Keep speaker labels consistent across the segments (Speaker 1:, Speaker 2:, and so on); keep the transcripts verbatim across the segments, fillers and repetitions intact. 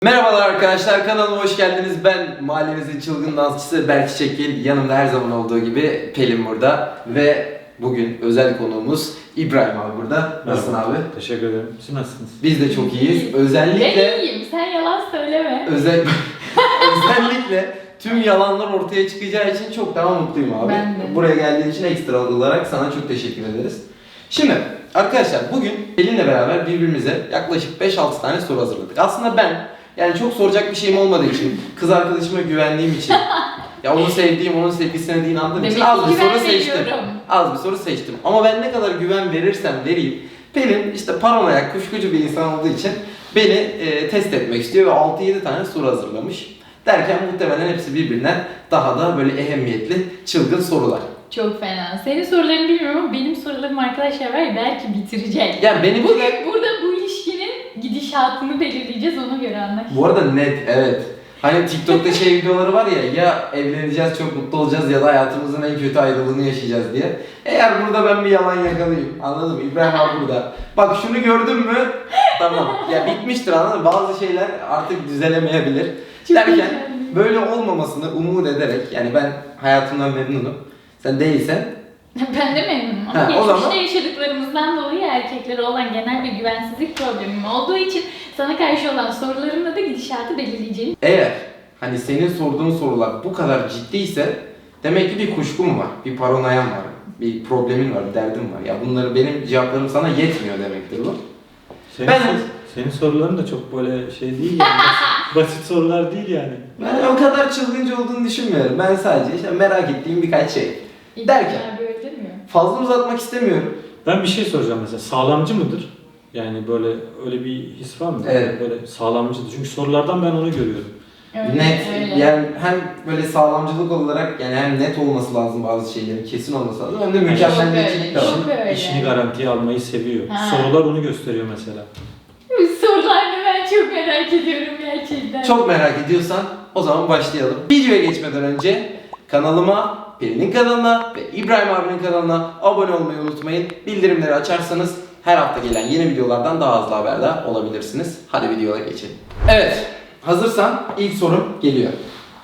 Speaker 1: Merhabalar arkadaşlar, kanalıma hoş geldiniz. Ben mahallemizin çılgın dansçısı Berk Çekil. Yanımda her zaman olduğu gibi Pelin burada. Ve bugün özel konuğumuz İbrahim abi burada. Nasılsın abi?
Speaker 2: Teşekkür ederim. Siz nasılsınız?
Speaker 1: Biz de çok iyiyiz. Özellikle...
Speaker 3: Ben iyiyim, sen yalan söyleme.
Speaker 1: Özel... Özellikle tüm yalanlar ortaya çıkacağı için çok daha mutluyum abi.
Speaker 3: Ben de.
Speaker 1: Buraya geldiğin için ekstra olarak sana çok teşekkür ederiz. Şimdi arkadaşlar bugün Pelin'le beraber birbirimize yaklaşık beş altı tane soru hazırladık. Aslında ben yani çok soracak bir şeyim olmadığı için, kız arkadaşıma güvendiğim için, ya onu sevdiğim, onun sevgisine de inandığım için az bir soru seçtim. Az bir soru seçtim. Ama ben ne kadar güven verirsem vereyim, Pelin işte paranoyak, kuşkucu bir insan olduğu için beni e, test etmek istiyor ve altı yedi tane soru hazırlamış. Derken muhtemelen hepsi birbirinden daha da böyle ehemmiyetli, çılgın sorular.
Speaker 3: Çok fena. Senin sorularını bilmiyorum ama benim sorularım arkadaşlar var ya belki bitirecek.
Speaker 1: Yani benim
Speaker 3: Bugün
Speaker 1: de...
Speaker 3: burada bu ilişkinin gidişatını belirleyeceğiz, ona göre anlaş.
Speaker 1: Bu arada net, evet. Hani TikTok'ta şey videoları var ya, ya evleneceğiz, çok mutlu olacağız ya da hayatımızın en kötü ayrılığını yaşayacağız diye. Eğer burada ben bir yalan yakalayayım, anladın mı? İbrahim abi burada. Bak şunu gördün mü? Tamam. Ya bitmiştir, anladın mı? Bazı şeyler artık düzelemeyebilir.
Speaker 3: Çok
Speaker 1: Derken
Speaker 3: güzel.
Speaker 1: böyle olmamasını umut ederek, yani ben hayatımdan memnunum. Sen değilsen.
Speaker 3: Ben de memnunum ama
Speaker 1: Ha, o
Speaker 3: geçmişte
Speaker 1: zaman...
Speaker 3: yaşadıklarımızdan dolayı erkeklere olan genel bir güvensizlik problemim olduğu için sana karşı olan sorularımla da gidişatı belirleyeceğim.
Speaker 1: Eğer hani senin sorduğun sorular bu kadar ciddiyse demek ki bir kuşkun var, bir paranoyan var, bir problemin var, bir derdin var. Ya bunları benim cevaplarım sana yetmiyor demektir bu.
Speaker 2: Senin,
Speaker 1: Ben-
Speaker 2: sor- senin soruların da çok böyle şey değil yani. basit, basit sorular değil yani.
Speaker 1: Ben o kadar çılgınca olduğunu düşünmüyorum. Ben sadece işte merak ettiğim birkaç şey. Derken?
Speaker 3: İlgiler böyle değil mi?
Speaker 1: Fazla uzatmak istemiyorum.
Speaker 2: Ben bir şey soracağım mesela. Sağlamcı mıdır? Yani böyle öyle bir his var mı?
Speaker 1: Evet.
Speaker 2: Böyle sağlamcıdır. Çünkü sorulardan ben onu görüyorum.
Speaker 3: Öyle,
Speaker 1: Net.
Speaker 3: öyle.
Speaker 1: Yani hem böyle sağlamcılık olarak yani hem net olması lazım bazı şeylerin, kesin olması lazım. Hem de mükemmeliyetçilik de var.
Speaker 3: Çok öyle.
Speaker 2: İşini garantiye almayı seviyor.
Speaker 3: Ha.
Speaker 2: Sorular onu gösteriyor mesela.
Speaker 3: Sorularını ben çok merak ediyorum gerçekten.
Speaker 1: Çok merak ediyorsan o zaman başlayalım. Videoya geçmeden önce kanalıma, Pelin'in kanalına ve İbrahim abinin kanalına abone olmayı unutmayın. Bildirimleri açarsanız her hafta gelen yeni videolardan daha hızlı haberdar olabilirsiniz. Hadi videoya geçelim. Evet, hazırsan ilk sorum geliyor.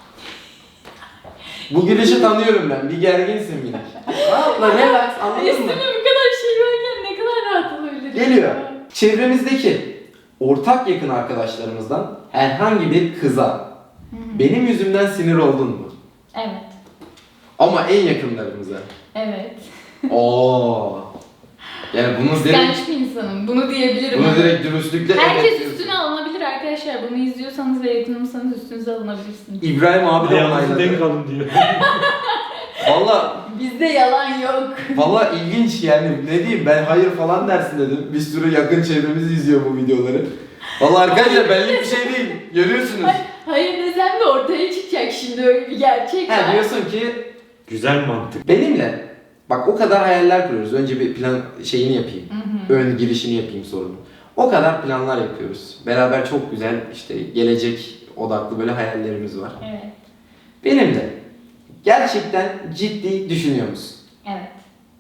Speaker 1: Bu gülüşü tanıyorum ben. Bir gerginsin yine. Rahatla, relax, anladın mı?
Speaker 3: Üstüne bu kadar şey varken ne kadar rahat olabilirim?
Speaker 1: Geliyor. Çevremizdeki ortak yakın arkadaşlarımızdan herhangi bir kıza benim yüzümden sinir oldun mu?
Speaker 3: Evet.
Speaker 1: Ama en yakınlarımıza.
Speaker 3: Evet.
Speaker 1: Oo. Yani bunu direkt,
Speaker 3: Kıskanç bir insanım. Bunu diyebilirim.
Speaker 1: bunu
Speaker 3: ama.
Speaker 1: direkt dürüstlükle
Speaker 3: Herkes
Speaker 1: evet diyorsun.
Speaker 3: üstüne alınabilir arkadaşlar. Bunu izliyorsanız ve yakınımsanız üstünüze alınabilirsiniz.
Speaker 1: İbrahim abi de
Speaker 2: Ayağınızı denk
Speaker 1: onayladı.
Speaker 2: alın diyor.
Speaker 1: Valla,
Speaker 3: Bizde yalan yok.
Speaker 1: valla ilginç yani. Ne diyeyim, ben hayır falan dersin dedim. Bir sürü yakın çevremiz izliyor bu videoları. Valla arkadaşlar benlik bir şey değil. Görüyorsunuz.
Speaker 3: Hayır desem de ortaya çıkacak şimdi, öyle bir gerçek
Speaker 1: Ha,
Speaker 3: var.
Speaker 1: diyorsun ki
Speaker 2: Güzel mantık.
Speaker 1: benimle bak o kadar hayaller kuruyoruz. Önce bir plan şeyini yapayım.
Speaker 3: Hı hı.
Speaker 1: Ön girişini yapayım sorunun. O kadar planlar yapıyoruz. Beraber çok güzel işte gelecek odaklı böyle hayallerimiz var.
Speaker 3: Evet.
Speaker 1: Benimle gerçekten ciddi düşünüyor musun?
Speaker 3: Evet.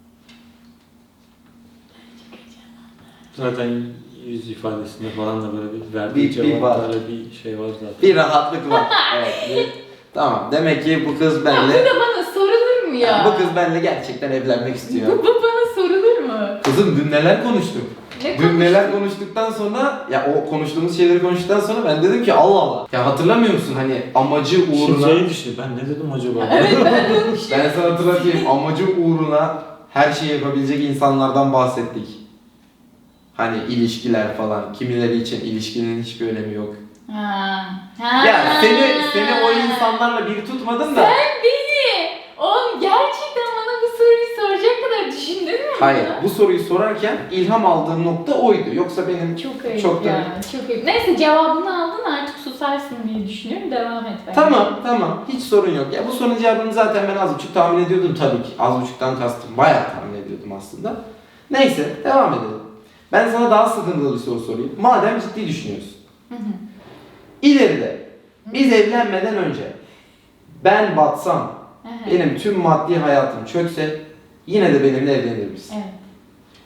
Speaker 2: Zaten yüz ifadesinde falan da böyle bir verdiği
Speaker 1: Bir- bir var.
Speaker 2: cevaplarla bir şey var zaten.
Speaker 1: Bir rahatlık var. Evet. bir- tamam. Demek ki bu kız
Speaker 3: Ya bu
Speaker 1: benle
Speaker 3: da bana sorulur mu ya?
Speaker 1: bu kız benle gerçekten evlenmek istiyor.
Speaker 3: Bu, bu bana sorulur mu?
Speaker 1: Kızım dün neler konuştuk?
Speaker 3: Ne
Speaker 1: Dün neler konuştuktan sonra ya o konuştuğumuz şeyleri konuştuktan sonra ben dedim ki Allah Allah. Ya hatırlamıyor musun hani amacı
Speaker 2: Şimdi
Speaker 1: uğruna
Speaker 2: şey düşün, ben ne dedim acaba?
Speaker 3: Evet, ben de onu düşünüyorum.
Speaker 1: ben sana hatırlatayım, amacı uğruna her şeyi yapabilecek insanlardan bahsettik. Hani ilişkiler falan. Kimileri için ilişkinin hiçbir önemi yok.
Speaker 3: Ha. Ha.
Speaker 1: Ya seni seni o insanlarla bir tutmadım da.
Speaker 3: Sen beni, oğlum gerçekten bana bu soruyu soracak kadar düşündün mü?
Speaker 1: Hayır, bu soruyu sorarken ilham aldığım nokta oydu. Yoksa benim
Speaker 3: Çok ayıp
Speaker 1: çok da...
Speaker 3: ya, çok ayıp. Neyse cevabını aldın, artık susarsın diye düşünüyorum. Devam et bence.
Speaker 1: Tamam, tamam. Hiç sorun yok. Ya bu sorunun cevabını zaten ben az buçuk tahmin ediyordum tabii ki. Az buçuktan kastım. Bayağı tahmin ediyordum aslında. Neyse, devam edelim. Ben sana daha sıkıntılı bir soru sorayım. Madem ciddi düşünüyorsun.
Speaker 3: Hı hı.
Speaker 1: İleride biz evlenmeden önce ben batsam,
Speaker 3: Hı hı.
Speaker 1: benim tüm maddi hayatım çökse yine de benimle evlenir misin?
Speaker 3: Evet.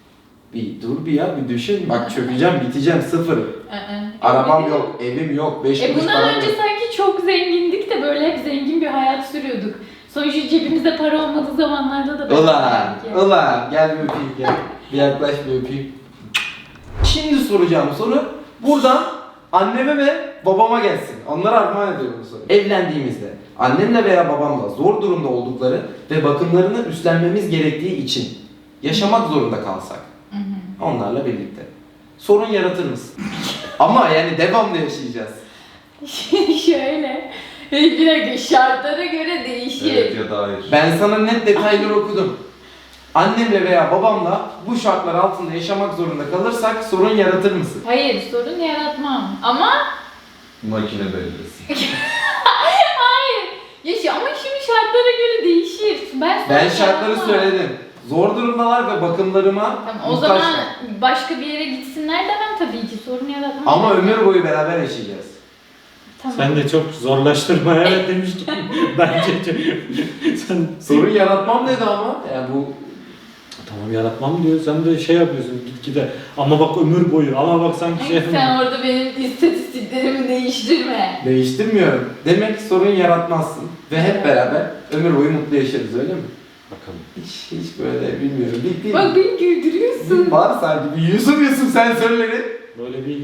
Speaker 1: Bir dur bir ya bir düşün. Bak çökeceğim, biteceğim, sıfır.
Speaker 3: Aa,
Speaker 1: Arabam
Speaker 3: evet.
Speaker 1: yok, evim yok, beş
Speaker 3: E
Speaker 1: kuruş
Speaker 3: bundan
Speaker 1: param
Speaker 3: önce
Speaker 1: yok.
Speaker 3: sanki çok zengindik de böyle hep zengin bir hayat sürüyorduk. Sonuçta cebimizde para olmadığı zamanlarda da belki.
Speaker 1: Ulan, ulan gel bir öpeyim gel. Bir yaklaş bir öpeyim. Şimdi soracağım soru buradan anneme ve babama gelsin. Onlara armağan ediyorum bu soruyu. Evlendiğimizde annemle veya babamla zor durumda oldukları ve bakımlarını üstlenmemiz gerektiği için yaşamak zorunda kalsak
Speaker 3: Hı hı.
Speaker 1: onlarla birlikte sorun yaratır mısın? Ama yani devamlı yaşayacağız.
Speaker 3: Şöyle. Bir dakika şartlara göre değişir.
Speaker 4: ya da hayır.
Speaker 1: Ben sana net detaylar okudum. Annemle veya babamla bu şartlar altında yaşamak zorunda kalırsak sorun yaratır mısın?
Speaker 3: Hayır sorun yaratmam. Ama
Speaker 4: Makine belirlesin.
Speaker 3: hayır. Ya şu- ama şimdi şartlara göre değişir. Ben, sorun
Speaker 1: Ben şartları
Speaker 3: yaratmam.
Speaker 1: söyledim. Zor durumdalar ve bakımlarıma
Speaker 3: Tamam, o
Speaker 1: muhtaçlar.
Speaker 3: zaman başka bir yere gitsinler demem tabii ki sorun yaratmam.
Speaker 1: Ama ömür boyu beraber yaşayacağız.
Speaker 3: Tamam.
Speaker 2: Sen de çok zorlaştırma evet demiştin. Bence sen
Speaker 1: Sorun yaratmam dedi ama. Yani bu
Speaker 2: tamam yaratmam diyor. Sen de şey yapıyorsun gitgide. Ama bak ömür boyu. Ama bak sanki şey
Speaker 3: Sen orada benim istatistiklerimi değiştirme.
Speaker 1: değiştirmiyorum. Demek sorun yaratmazsın. Ve hep beraber ömür boyu mutlu yaşarız öyle mi?
Speaker 2: Bakalım.
Speaker 1: Hiç, hiç böyle bilmiyorum. Bir, bir,
Speaker 3: Bak beni güldürüyorsun.
Speaker 1: var sanki. Bir Yusuf Yusuf sensörleri.
Speaker 2: Böyle bir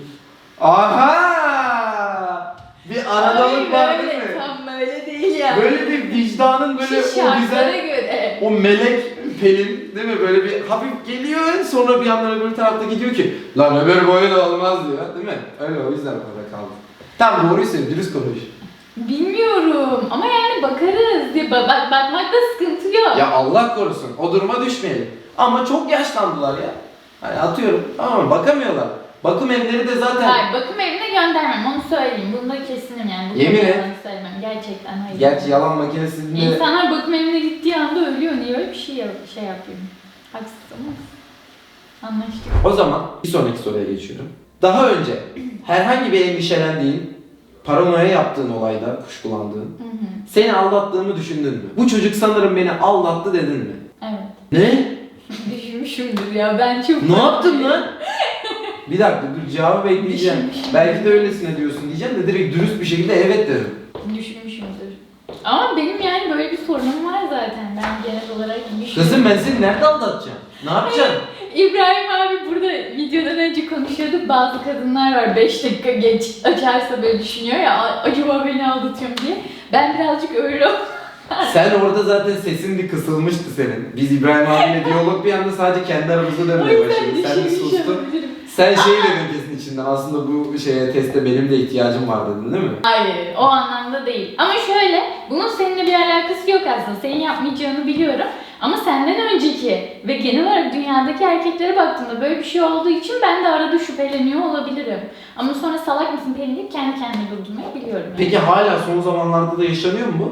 Speaker 1: Aha! Bir aradalık var
Speaker 3: Hayır,
Speaker 1: değil mi?
Speaker 3: öyle, tam böyle değil yani.
Speaker 1: Böyle bir vicdanın böyle
Speaker 3: Şu
Speaker 1: o
Speaker 3: şartlara
Speaker 1: güzel,
Speaker 3: göre.
Speaker 1: o melek Pelin değil mi? Böyle bir hafif geliyor sonra bir yandan öbür tarafta gidiyor ki lan öbür boyu da olmaz diyor değil mi? Öyle o yüzden orada kaldı. Tam doğruyu söyle, dürüst konuş.
Speaker 3: Bilmiyorum ama yani bakarız. Ya, bak, bak, bakmakta sıkıntı yok.
Speaker 1: Ya Allah korusun o duruma düşmeyelim. Ama çok yaşlandılar ya. Hani atıyorum tamam mı? Bakamıyorlar. Bakım evleri de zaten...
Speaker 3: Hayır, bakım evine göndermem onu söyleyeyim. Bunda kesinim yani. Bu
Speaker 1: Yemin
Speaker 3: konuda
Speaker 1: et.
Speaker 3: yalan söylemem. Gerçekten hayır.
Speaker 1: Gerçi yalan makinesinde...
Speaker 3: İnsanlar bakım evine gittiği anda ölüyor. Niye öyle bir şey, yap şey yapayım? Haksız ama. Anlaştık.
Speaker 1: O zaman bir sonraki soruya geçiyorum. Daha önce herhangi bir endişelendiğin, paranoya yaptığın olayda kuşkulandığın,
Speaker 3: Hı hı.
Speaker 1: seni aldattığımı düşündün mü? Bu çocuk sanırım beni aldattı dedin mi?
Speaker 3: Evet.
Speaker 1: Ne?
Speaker 3: Düşünmüşümdür ya ben çok...
Speaker 1: Ne yaptın lan? Bir dakika dur cevabı bekleyeceğim.
Speaker 3: Düşünmüşüm.
Speaker 1: Belki de öylesine diyorsun diyeceğim de direkt dürüst bir şekilde evet dedim.
Speaker 3: Düşünmüşümdür. Ama benim yani böyle bir sorunum var zaten. Ben genel olarak düşünüyorum.
Speaker 1: Kızım ben seni nerede aldatacağım? Ne yapacaksın?
Speaker 3: İbrahim abi burada videodan önce konuşuyorduk. Bazı kadınlar var beş dakika geç açarsa böyle düşünüyor ya acaba beni aldatıyor mu diye. Ben birazcık öyle
Speaker 1: Sen orada zaten sesin bir kısılmıştı senin. Biz İbrahim abiyle diyalog bir anda sadece kendi aramızda
Speaker 3: o
Speaker 1: dönmeye
Speaker 3: yüzden
Speaker 1: başladı. Sen bir
Speaker 3: düşünmüş
Speaker 1: sustun.
Speaker 3: olabilirim.
Speaker 1: Sen şey dedin kesin içinden aslında bu şeye teste benim de ihtiyacım var dedin değil mi?
Speaker 3: Hayır o anlamda değil. Ama şöyle bunun seninle bir alakası yok aslında. Senin yapmayacağını biliyorum. Ama senden önceki ve genel olarak dünyadaki erkeklere baktığımda böyle bir şey olduğu için ben de arada şüpheleniyor olabilirim. Ama sonra salak mısın Pelin deyip kendi kendime durdurmayı biliyorum. Yani.
Speaker 1: Peki hala son zamanlarda da yaşanıyor mu bu?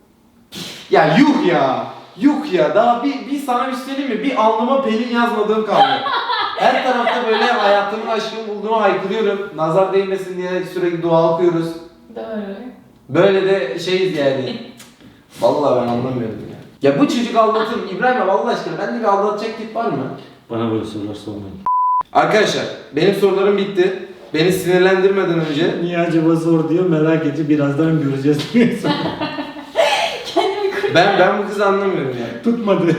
Speaker 1: Ya yuh ya! Yuh ya! Daha bir, bir sana bir şey söyleyeyim mi? Bir alnıma Pelin yazmadığım kaldı. Her tarafta böyle hayatımın aşkını bulduğumu haykırıyorum. Nazar değmesin diye sürekli dua okuyoruz.
Speaker 3: Doğru.
Speaker 1: Böyle de şeyiz yani. Vallahi ben anlamıyorum ya. Ya bu çocuk aldatır mı? İbrahim abi Allah aşkına bende bir aldatacak tip var mı?
Speaker 2: bana böyle sorular sormayın.
Speaker 1: Arkadaşlar benim sorularım bitti. Beni sinirlendirmeden önce
Speaker 2: Niye acaba zor diyor merak edici birazdan göreceğiz.
Speaker 3: Kendimi kur.
Speaker 1: ben ben bu kızı anlamıyorum yani.
Speaker 2: Tutmadı.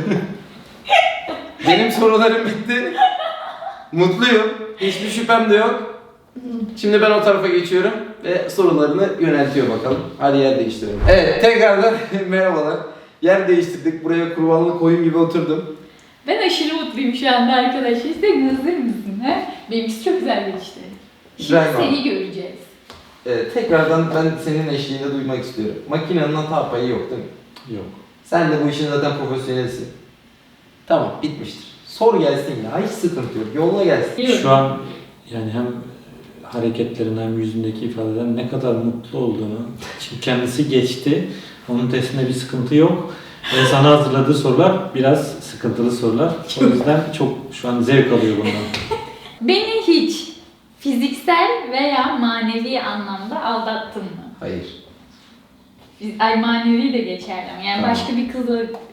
Speaker 1: Benim sorularım bitti. Mutluyum. Hiçbir şüphem de yok. Şimdi ben o tarafa geçiyorum ve sorularını yöneltiyor bakalım. Hadi yer değiştirelim. Evet tekrardan merhabalar. Yer değiştirdik. Buraya kurbanlı koyun gibi oturdum.
Speaker 3: Ben aşırı mutluyum şu anda arkadaşlar. Sen hazır mısın? He? Benimkisi çok güzel geçti. Şimdi
Speaker 1: İbrahim abi.
Speaker 3: seni göreceğiz.
Speaker 1: Evet, tekrardan ben senin eşliğinde duymak istiyorum. Makinenin hata payı yok değil mi?
Speaker 2: Yok.
Speaker 1: Sen de bu işin zaten profesyonelsin. Tamam bitmiştir. Sor gelsin ya. Hiç sıkıntı yok. Yolla gelsin.
Speaker 3: Biliyorum.
Speaker 2: Şu an yani hem hareketlerinden hem yüzündeki ifadeden ne kadar mutlu olduğunu şimdi kendisi geçti. Onun testinde bir sıkıntı yok. Ve sana hazırladığı sorular biraz sıkıntılı sorular. O yüzden çok şu an zevk alıyor bundan.
Speaker 3: Beni hiç fiziksel veya manevi anlamda aldattın mı?
Speaker 1: Hayır.
Speaker 3: Ay manevi de geçerli ama yani
Speaker 1: Tamam.
Speaker 3: başka bir kızla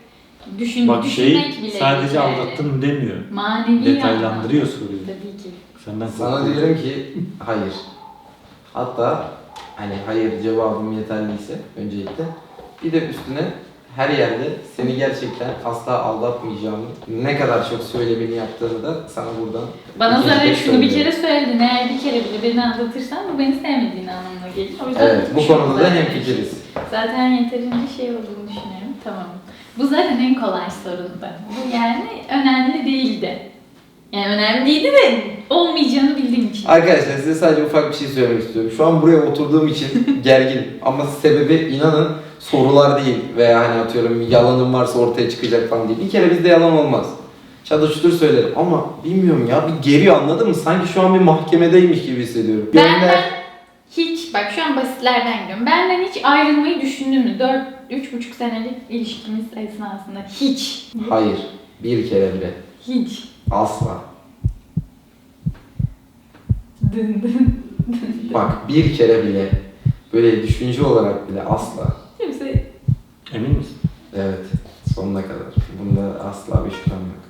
Speaker 3: Düşün,
Speaker 2: Bak
Speaker 3: düşünmek
Speaker 2: şey
Speaker 3: bile
Speaker 2: sadece
Speaker 3: yani.
Speaker 2: aldattın demiyor.
Speaker 3: Manevi
Speaker 2: Detaylandırıyor
Speaker 3: anlamda.
Speaker 2: soruyu.
Speaker 3: Tabii ki.
Speaker 2: Senden
Speaker 1: Sana
Speaker 2: korkuyorum.
Speaker 1: diyorum ki hayır. Hatta hani hayır cevabım yeterliyse öncelikle bir de üstüne her yerde seni gerçekten asla aldatmayacağımı, ne kadar çok söylemeni yaptığını da sana buradan
Speaker 3: Bana
Speaker 1: ikinci
Speaker 3: zaten
Speaker 1: kez
Speaker 3: şunu bir
Speaker 1: söylüyorum.
Speaker 3: kere söyledin. Eğer bir kere bile beni aldatırsan bu beni sevmediğin anlamına gelir. O yüzden
Speaker 1: Evet, bu
Speaker 3: düşünüyorum
Speaker 1: konuda da
Speaker 3: zaten.
Speaker 1: hemfikiriz.
Speaker 3: Zaten yeterince şey olduğunu düşünüyorum. Tamam. Bu zaten en kolay sorundu. Bu yani önemli değildi. Yani önemli değildi de olmayacağını bildiğim için.
Speaker 1: Arkadaşlar size sadece ufak bir şey söylemek istiyorum. Şu an buraya oturduğum için gergin ama sebebi inanın sorular değil veya hani atıyorum yalanım varsa ortaya çıkacak falan değil. Bir kere bizde yalan olmaz. Çadır çutur söylerim ama bilmiyorum ya bir geriyor anladın mı? Sanki şu an bir mahkemedeymiş gibi hissediyorum.
Speaker 3: Benden
Speaker 1: Gönder-
Speaker 3: hiç, bak şu an basitlerden gidiyorum. Benden hiç ayrılmayı düşündün mü? dört, üç buçuk senelik ilişkimiz esnasında hiç.
Speaker 1: Hayır. Bir kere bile.
Speaker 3: Hiç.
Speaker 1: Asla.
Speaker 3: Dın dın.
Speaker 1: Bak bir kere bile. Böyle düşünce olarak bile asla.
Speaker 3: Kimse
Speaker 2: Emin misin?
Speaker 1: Evet. Sonuna kadar. Bunda asla bir şüphem yok.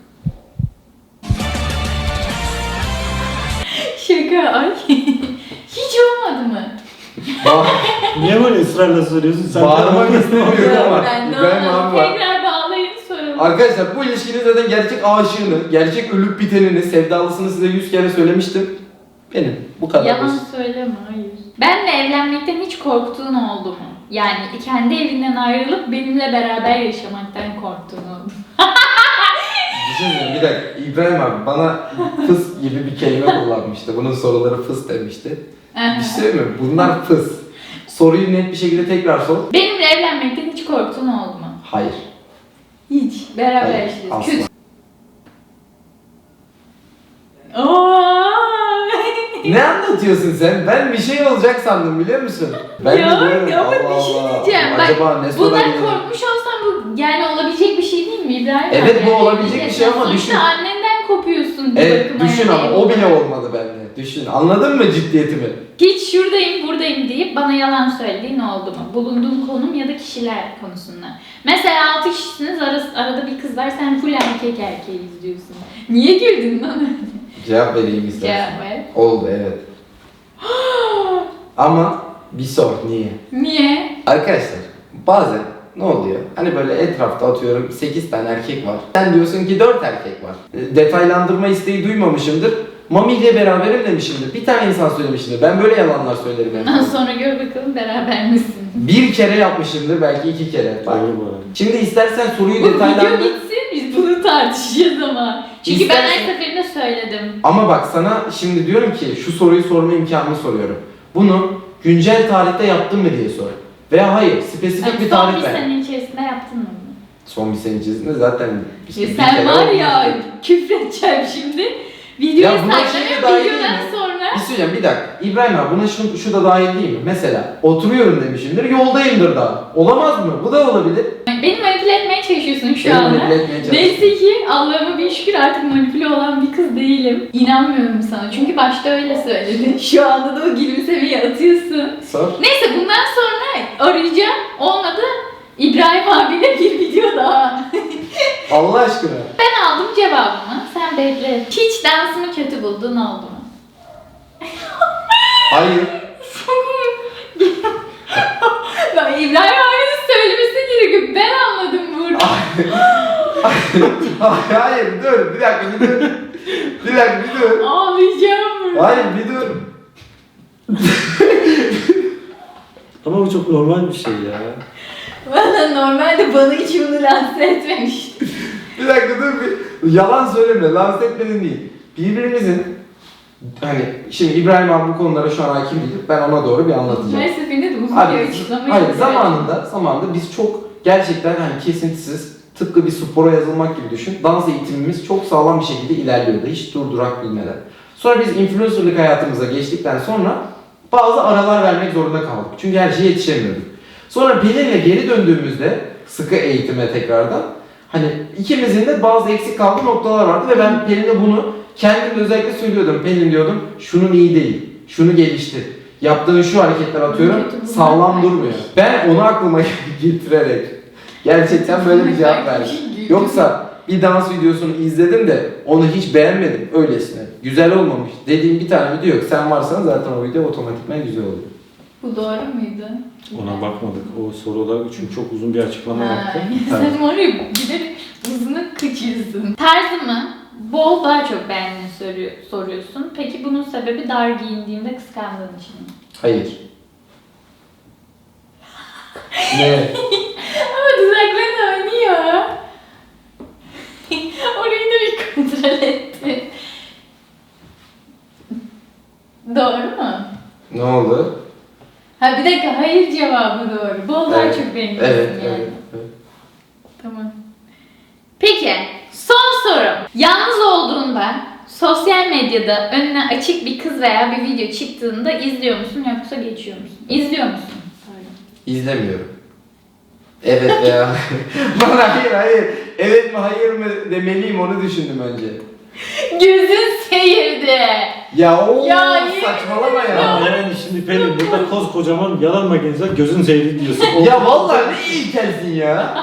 Speaker 3: şaka ay. Hiç olmadı mı?
Speaker 1: Ba-
Speaker 2: Niye böyle ısrarla soruyorsun? Sen
Speaker 1: Bağırmak
Speaker 2: de-
Speaker 1: istemiyorum ama
Speaker 3: Ben de
Speaker 1: İbrahim
Speaker 3: olmadı.
Speaker 1: abi var.
Speaker 3: Tekrar bağlayın soralım.
Speaker 1: Arkadaşlar bu ilişkinin zaten gerçek aşığını, gerçek ölüp bitenini, sevdalısını size yüz kere söylemiştim. Benim. Bu kadar.
Speaker 3: Yalan
Speaker 1: basit.
Speaker 3: söyleme, hayır. Benle evlenmekten hiç korktuğun oldu mu? Yani kendi evinden ayrılıp benimle beraber yaşamaktan korktuğun oldu mu?
Speaker 1: Bir şey söyleyeyim, bir dakika. İbrahim abi bana fıs gibi bir kelime kullanmıştı. Bunun soruları fıs demişti. Bir şey söyleyeyim mi? Bunlar fıs. Soruyu net bir şekilde tekrar sor.
Speaker 3: Benimle evlenmekten hiç korktuğun oldu mu?
Speaker 1: Hayır.
Speaker 3: Hiç. Beraber
Speaker 1: Hayır,
Speaker 3: yaşıyoruz.
Speaker 1: asla.
Speaker 3: Kötü. Oo!
Speaker 1: Ne anlatıyorsun sen? Ben bir şey olacak sandım biliyor musun? Ben
Speaker 3: Ya,
Speaker 1: de diyorum
Speaker 3: ama
Speaker 1: Allah
Speaker 3: bir şey
Speaker 1: Allah.
Speaker 3: diyeceğim. Bak,
Speaker 1: Acaba ne
Speaker 3: Bundan
Speaker 1: sorabilirim?
Speaker 3: korkmuş olsan bu yani olabilecek bir şey değil mi İbrahim?
Speaker 1: Evet,
Speaker 3: abi?
Speaker 1: bu
Speaker 3: Yani
Speaker 1: olabilecek bir şey ama
Speaker 3: sonuçta
Speaker 1: düşün.
Speaker 3: annenden kopuyorsun bir
Speaker 1: Evet
Speaker 3: bakıma.
Speaker 1: düşün
Speaker 3: yani.
Speaker 1: ama o bile olmadı bende. Düşün. Anladın mı ciddiyetimi?
Speaker 3: Hiç şuradayım buradayım deyip bana yalan söylediğin oldu mu? Bulunduğun konum ya da kişiler konusunda. Mesela altı kişisiniz arası, arada bir kız var sen full erkek erkeği izliyorsun. Niye güldün lan?
Speaker 1: Cevap vereyim istersen.
Speaker 3: Cevap ver.
Speaker 1: Oldu evet. Ama bir sor niye?
Speaker 3: Niye?
Speaker 1: Arkadaşlar bazen ne oluyor? Hani böyle etrafta atıyorum sekiz tane erkek var. Sen diyorsun ki dört erkek var. E, Detaylandırma isteği duymamışımdır. Mami ile beraberim demişimdir. Bir tane insan söylemişimdir. Ben böyle yalanlar söylerim en
Speaker 3: Ondan
Speaker 1: fazla.
Speaker 3: sonra gör bakalım beraber misin?
Speaker 1: Bir kere yapmışımdır belki iki kere. Bak.
Speaker 2: Doğru bu arada.
Speaker 1: Şimdi istersen soruyu
Speaker 3: Bu video
Speaker 1: detaylandır.
Speaker 3: bitsin biz bunu tartışacağız ama. Çünkü ben
Speaker 1: İstersen-
Speaker 3: her seferinde söyledim.
Speaker 1: Ama bak sana şimdi diyorum ki şu soruyu sorma imkanını soruyorum. Bunu güncel tarihte yaptın mı diye sor. Veya hayır spesifik
Speaker 3: Yani
Speaker 1: bir
Speaker 3: son
Speaker 1: tarih
Speaker 3: bir
Speaker 1: ver.
Speaker 3: sene içerisinde yaptın mı bunu?
Speaker 1: Son bir sene içerisinde zaten işte
Speaker 3: Ya
Speaker 1: bir
Speaker 3: sen
Speaker 1: kere
Speaker 3: var ya
Speaker 1: olmuştu.
Speaker 3: küfredeceğim şimdi. Videoyu
Speaker 1: Ya buna şey de
Speaker 3: saklamıyorum
Speaker 1: dahil değil
Speaker 3: videodan
Speaker 1: mi?
Speaker 3: sonra.
Speaker 1: Bir şey söyleyeceğim bir dakika. İbrahim abi buna şu, şu da dahil değil mi? Mesela oturuyorum demişimdir yoldayımdır daha. Olamaz mı? Bu da olabilir.
Speaker 3: Beni manipüle etmeye çalışıyorsun şu
Speaker 1: Beni
Speaker 3: anda.
Speaker 1: manipüle etmeye çalışıyorsun.
Speaker 3: Neyse ki Allah'ıma bin şükür artık manipüle olan bir kız değilim. İnanmıyorum sana çünkü başta öyle söyledin. Şu anda da o gülümsemeyi atıyorsun.
Speaker 1: Sor.
Speaker 3: Neyse bundan sonra arayacağım. Olmadı İbrahim abiyle bir video daha.
Speaker 1: Allah aşkına.
Speaker 3: Ben aldım cevabımı. Sen bekle. Hiç dansımı kötü bulduğun oldu mu?
Speaker 1: Hayır.
Speaker 3: Ben İbrahim abinin söylemesi gerekiyor. Ben anladım burada.
Speaker 1: Hayır dur bir dakika bir dur. Bir dakika bir dur.
Speaker 3: Ağlayacağım burada.
Speaker 1: Hayır bir dur.
Speaker 2: Ama bu çok normal bir şey ya.
Speaker 3: Bana normalde bana hiç bunu lanse etmemişti.
Speaker 1: Bir dakika dur bir. Yalan söyleme. Lanse etmedin değil. Birbirimizin hani şimdi İbrahim abi bu konulara şu an hakim değil. Ben ona doğru bir anlatacağım.
Speaker 3: Her seferinde de uzun
Speaker 1: Abi,
Speaker 3: bir açıklama
Speaker 1: hayır
Speaker 3: yapıyorum.
Speaker 1: zamanında zamanında biz çok gerçekten hani kesintisiz tıpkı bir spora yazılmak gibi düşün. Dans eğitimimiz çok sağlam bir şekilde ilerliyordu. Hiç durdurak bilmeden. Sonra biz influencerlık hayatımıza geçtikten sonra bazı aralar vermek zorunda kaldık. Çünkü her şeye yetişemiyorduk. Sonra Pelin'le geri döndüğümüzde sıkı eğitime tekrardan hani ikimizin de bazı eksik kaldığı noktalar vardı ve ben Pelin'e bunu kendim de özellikle söylüyordum. Pelin diyordum şunun iyi değil, şunu geliştir. Yaptığın şu hareketler atıyorum
Speaker 3: Kötü bunlar
Speaker 1: sağlam
Speaker 3: var.
Speaker 1: durmuyor. Ben onu aklıma getirerek gerçekten böyle bir cevap verdim. Yoksa bir dans videosunu izledim de onu hiç beğenmedim öylesine. Güzel olmamış dediğim bir tane video yok. Sen varsan zaten o video otomatikman güzel oluyor.
Speaker 3: Bu doğru muydu?
Speaker 2: Ona bakmadık. O soruda çünkü çok uzun bir açıklama yaptı.
Speaker 3: Ha, sen var ya giderek uzunu kaçıyorsun. Tarzımı bol daha çok beğendiğini soruyor, soruyorsun. Peki bunun sebebi dar giyindiğimde kıskandığın için mi?
Speaker 1: Hayır. Ne?
Speaker 3: Ama dudakların oynuyor. Orayı da bir kontrol etti. Doğru mu?
Speaker 1: Ne oldu?
Speaker 3: Ha bir dakika, hayır cevabı doğru. Bol daha
Speaker 1: Evet,
Speaker 3: çok beğeniyorsun
Speaker 1: Evet,
Speaker 3: yani.
Speaker 1: evet, evet.
Speaker 3: Tamam. Peki, son sorum. Yalnız olduğunda sosyal medyada önüne açık bir kız veya bir video çıktığında izliyor musun yoksa geçiyor musun? İzliyor musun? Pardon.
Speaker 1: İzlemiyorum. Evet veya bana hayır hayır. Evet mi hayır mı demeliyim onu düşündüm önce.
Speaker 3: Gözün seyirdi.
Speaker 1: Ya o
Speaker 3: Ya, yemin
Speaker 1: saçmalama ya.
Speaker 2: Ama yani şimdi Pelin burada koskocaman yalan makinesi var, gözün seyri diyorsun. O-
Speaker 1: Ya vallahi ne ilkelsin ya.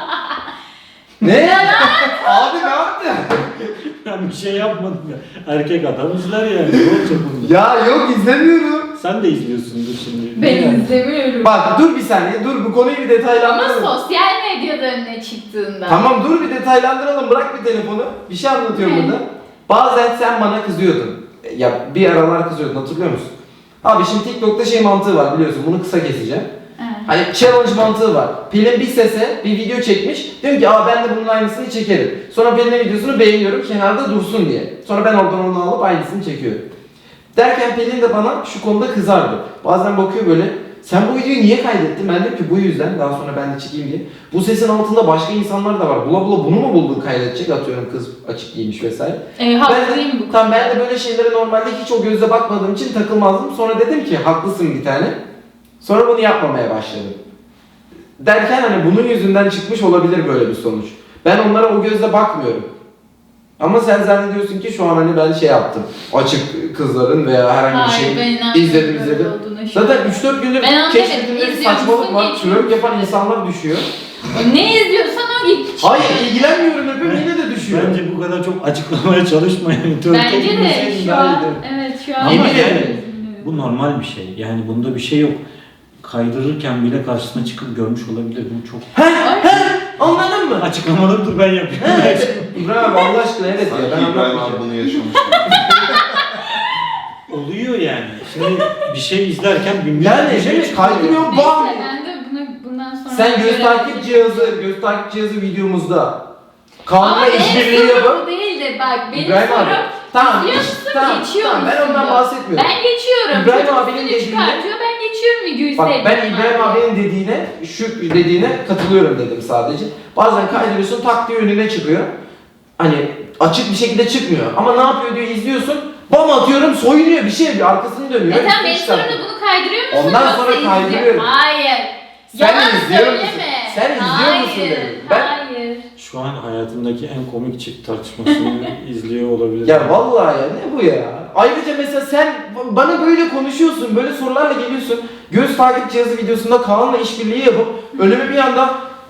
Speaker 1: Ne? Abi ne yaptın?
Speaker 2: Ben bir şey yapmadım ya. Erkek adam izler yani. Ne olacak bunda?
Speaker 1: Ya yok izlemiyorum.
Speaker 2: Sen de izliyorsundur şimdi.
Speaker 3: Ben
Speaker 2: Yani.
Speaker 3: izlemiyorum.
Speaker 1: Bak dur bir saniye dur bu konuyu bir
Speaker 3: Ama
Speaker 1: detaylandıralım.
Speaker 3: sosyal medyada önüne çıktığında.
Speaker 1: Tamam dur bir detaylandıralım bırak bir telefonu. Bir şey anlatıyorum
Speaker 3: Evet.
Speaker 1: burada. Bazen sen bana kızıyordun. Ya bir aralar kızıyordun hatırlıyor musun? Abi şimdi TikTok'ta şey mantığı var biliyorsun bunu kısa keseceğim.
Speaker 3: Evet.
Speaker 1: Hani challenge mantığı var. Pelin bir sese bir video çekmiş. Diyorum ki aa ben de bunun aynısını çekerim. Sonra Pelin'in videosunu beğeniyorum kenarda dursun diye. Sonra ben oradan onu alıp aynısını çekiyorum. Derken Pelin de bana şu konuda kızardı. Bazen bakıyor böyle sen bu videoyu niye kaydettin? Ben dedim ki bu yüzden daha sonra ben de çekeyim diye. Bu sesin altında başka insanlar da var. Bula bula bunu mu buldun kaydedecek? Atıyorum kız açık giymiş vesaire.
Speaker 3: E,
Speaker 1: Ben
Speaker 3: haklıyım
Speaker 1: de,
Speaker 3: bu
Speaker 1: tamam, ben
Speaker 3: konuda.
Speaker 1: de böyle şeylere normalde hiç o gözle bakmadığım için takılmazdım. Sonra dedim ki haklısın bir tane. Sonra bunu yapmamaya başladım. Derken hani bunun yüzünden çıkmış olabilir böyle bir sonuç. Ben onlara o gözle bakmıyorum. Ama sen zannediyorsun ki şu an hani ben şey yaptım. Açık kızların veya herhangi bir
Speaker 3: Hayır, ben
Speaker 1: şey
Speaker 3: inanmıyorum
Speaker 1: izledim
Speaker 3: böyle
Speaker 1: izledim.
Speaker 3: olduğuna şu an.
Speaker 1: Zaten üç dört gündür
Speaker 3: Ben anlamadım.
Speaker 1: keşfettiğimde bir
Speaker 3: İzliyor
Speaker 1: saçmalık
Speaker 3: musun,
Speaker 1: var.
Speaker 3: geçmiyor
Speaker 1: Twerk yapan
Speaker 3: musun?
Speaker 1: insanlar düşüyor.
Speaker 3: Ne izliyorsan o git.
Speaker 1: Hayır ilgilenmiyorum öpüyorum yine de düşüyor.
Speaker 2: Bence bu kadar çok açıklamaya çalışmayın.
Speaker 3: Bence de şu
Speaker 2: daha
Speaker 3: an,
Speaker 2: iyidir.
Speaker 3: evet şu an.
Speaker 2: Ama
Speaker 1: Yemin
Speaker 2: yani
Speaker 1: ederim.
Speaker 2: bu normal bir şey. Yani bunda bir şey yok. Kaydırırken bile karşısına çıkıp görmüş olabilir. Bu çok
Speaker 1: Anladın mı?
Speaker 2: açıklamaları dur ben yapayım.
Speaker 1: İbrahim abi Allah aşkına evet ya ben
Speaker 4: Sanki İbrahim abi
Speaker 1: anlatmayacağım.
Speaker 4: bunu yaşamış.
Speaker 2: Oluyor yani. Şimdi bir şey izlerken bin
Speaker 1: Yani
Speaker 2: bir şey
Speaker 1: evet
Speaker 2: çıkıyor.
Speaker 1: kaydırıyorum bam.
Speaker 3: Neyse ben de bunu bundan sonra...
Speaker 1: Sen göz
Speaker 3: göre-
Speaker 1: takip cihazı, göz takip cihazı videomuzda
Speaker 3: Ama
Speaker 1: Kaan'la
Speaker 3: benim
Speaker 1: işbirliği
Speaker 3: sorum
Speaker 1: yapıp
Speaker 3: bu değil de bak benim
Speaker 1: İbrahim
Speaker 3: sorum...
Speaker 1: abi. Tamam,
Speaker 3: İzliyor
Speaker 1: iş-
Speaker 3: musun,
Speaker 1: tamam,
Speaker 3: geçiyor
Speaker 1: tamam, ben
Speaker 3: musun
Speaker 1: ondan
Speaker 3: bu?
Speaker 1: bahsetmiyorum.
Speaker 3: Ben geçiyorum.
Speaker 1: İbrahim
Speaker 3: Çocuk
Speaker 1: abinin
Speaker 3: üstüne
Speaker 1: dediğine-
Speaker 3: çıkartıyor, ben geçiyorum videoyu
Speaker 1: Bak ben
Speaker 3: sevdim
Speaker 1: İbrahim
Speaker 3: abi.
Speaker 1: abinin dediğine, şu dediğine katılıyorum dedim sadece. Bazen kaydırıyorsun tak diye önüne çıkıyor. Hani açık bir şekilde çıkmıyor. Ama ne yapıyor diyor izliyorsun. Bam atıyorum soyunuyor bir şey yapıyor arkasını dönüyor.
Speaker 3: E sen
Speaker 1: üstüne
Speaker 3: benim
Speaker 1: çıkartıyor.
Speaker 3: sorumda bunu kaydırıyor musun?
Speaker 1: Ondan
Speaker 3: yoksa
Speaker 1: sonra
Speaker 3: izliyor-
Speaker 1: kaydırıyorum.
Speaker 3: Hayır.
Speaker 1: Sen
Speaker 3: Yalan
Speaker 1: izliyor musun?
Speaker 3: söyleme.
Speaker 1: Sen izliyor musun
Speaker 3: Hayır,
Speaker 1: dedim. Ben-
Speaker 3: Hayır.
Speaker 2: Şu an hayatımdaki en komik çift tartışmasını izliyor olabilir.
Speaker 1: Ya vallahi ya ne bu ya? Ayrıca mesela sen bana böyle konuşuyorsun, böyle sorularla geliyorsun. Göz takip cihazı videosunda Kaan'la işbirliği yapıp önüme bir anda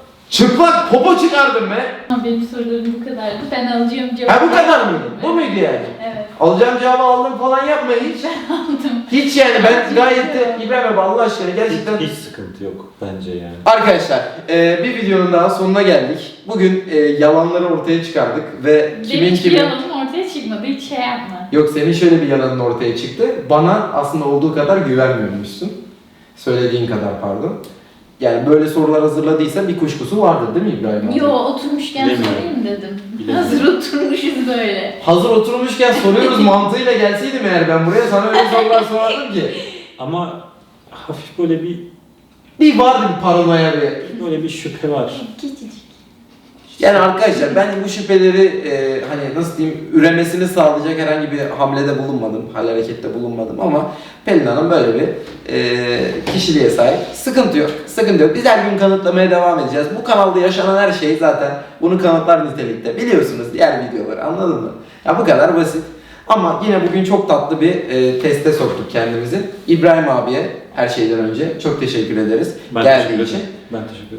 Speaker 1: çıplak popo çıkardım be.
Speaker 3: Ama benim sorularım bu kadardı. Ben alacağım cevabı.
Speaker 1: Ha bu kadar mıydı? Bu muydu yani?
Speaker 3: Evet.
Speaker 1: Alacağım cevabı aldım falan yapma hiç.
Speaker 3: Aldım.
Speaker 1: Hiç yani ben gayet de İbrahim abi Allah aşkına gerçekten...
Speaker 2: Hiç, hiç sıkıntı yok bence yani.
Speaker 1: Arkadaşlar e, bir videonun daha sonuna geldik. Bugün e, yalanları ortaya çıkardık ve
Speaker 3: Benim
Speaker 1: kimin
Speaker 3: hiçbir
Speaker 1: kimin...
Speaker 3: yalanım ortaya çıkmadı. Hiç şey yapma.
Speaker 1: Yok senin şöyle bir yalanın ortaya çıktı. Bana aslında olduğu kadar güvenmiyormuşsun. Söylediğin kadar pardon. Yani böyle sorular hazırladıysa bir kuşkusu vardır değil mi İbrahim abi?
Speaker 3: Yo oturmuşken
Speaker 2: Bilemiyorum.
Speaker 3: sorayım dedim.
Speaker 2: Bilemiyorum.
Speaker 3: Hazır oturmuşuz böyle.
Speaker 1: Hazır oturmuşken soruyoruz mantığıyla gelseydim eğer ben buraya sana öyle sorular sorardım ki.
Speaker 2: Ama hafif böyle bir
Speaker 1: Bir vardı bir paranoya bir.
Speaker 2: böyle bir şüphe var.
Speaker 3: Küçücük.
Speaker 1: Yani arkadaşlar ben bu şüpheleri e, hani nasıl diyeyim üremesini sağlayacak herhangi bir hamlede bulunmadım, hal harekette bulunmadım ama Pelin Hanım böyle bir e, kişiliğe sahip. Sıkıntı yok, sıkıntı yok. Biz her gün kanıtlamaya devam edeceğiz. Bu kanalda yaşanan her şey zaten bunu kanıtlar nitelikte. Biliyorsunuz diğer videoları anladın mı? Ya bu kadar basit. Ama yine bugün çok tatlı bir e, teste soktuk kendimizi. İbrahim abiye her şeyden önce çok teşekkür ederiz
Speaker 2: Ben
Speaker 1: geldiği
Speaker 2: teşekkür
Speaker 1: için.
Speaker 2: ederim. Ben teşekkür ederim.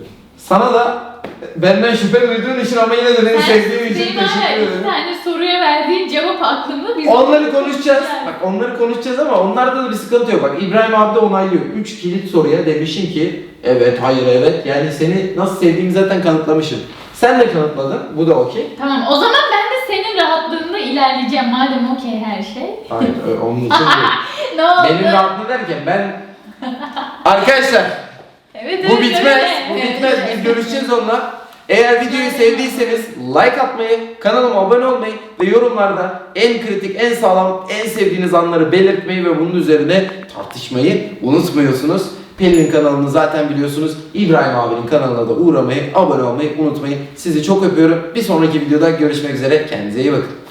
Speaker 1: Sana da benden şüphe duyduğun için ama yine de beni sevdiğin için
Speaker 3: Benim hala
Speaker 1: teşekkür
Speaker 3: iki
Speaker 1: ederim.
Speaker 3: tane soruya verdiğin cevap aklımda. Biz
Speaker 1: Onları konuşacağız.
Speaker 3: Yani.
Speaker 1: Bak onları konuşacağız ama onlarda da bir sıkıntı yok. Bak İbrahim abi de onaylıyor. Üç kilit soruya demişim ki evet, hayır, evet. Yani seni nasıl sevdiğimi zaten kanıtlamışım. Sen de kanıtladın. Bu da okey.
Speaker 3: Tamam, o zaman ben de senin rahatlığında ilerleyeceğim madem okey her şey.
Speaker 1: Hayır, ö- onun için değil.
Speaker 3: Ne oldu?
Speaker 1: Benim rahatlığım derken ben... Arkadaşlar
Speaker 3: Evet,
Speaker 1: bu
Speaker 3: evet,
Speaker 1: bitmez.
Speaker 3: öyle.
Speaker 1: Bu
Speaker 3: Evet,
Speaker 1: bitmez.
Speaker 3: evet.
Speaker 1: Biz görüşeceğiz onunla. Eğer videoyu sevdiyseniz like atmayı, kanalıma abone olmayı ve yorumlarda en kritik, en sağlam, en sevdiğiniz anları belirtmeyi ve bunun üzerine tartışmayı unutmuyorsunuz. Pelin'in kanalını zaten biliyorsunuz. İbrahim abinin kanalına da uğramayı, abone olmayı unutmayın. Sizi çok öpüyorum. Bir sonraki videoda görüşmek üzere. Kendinize iyi bakın.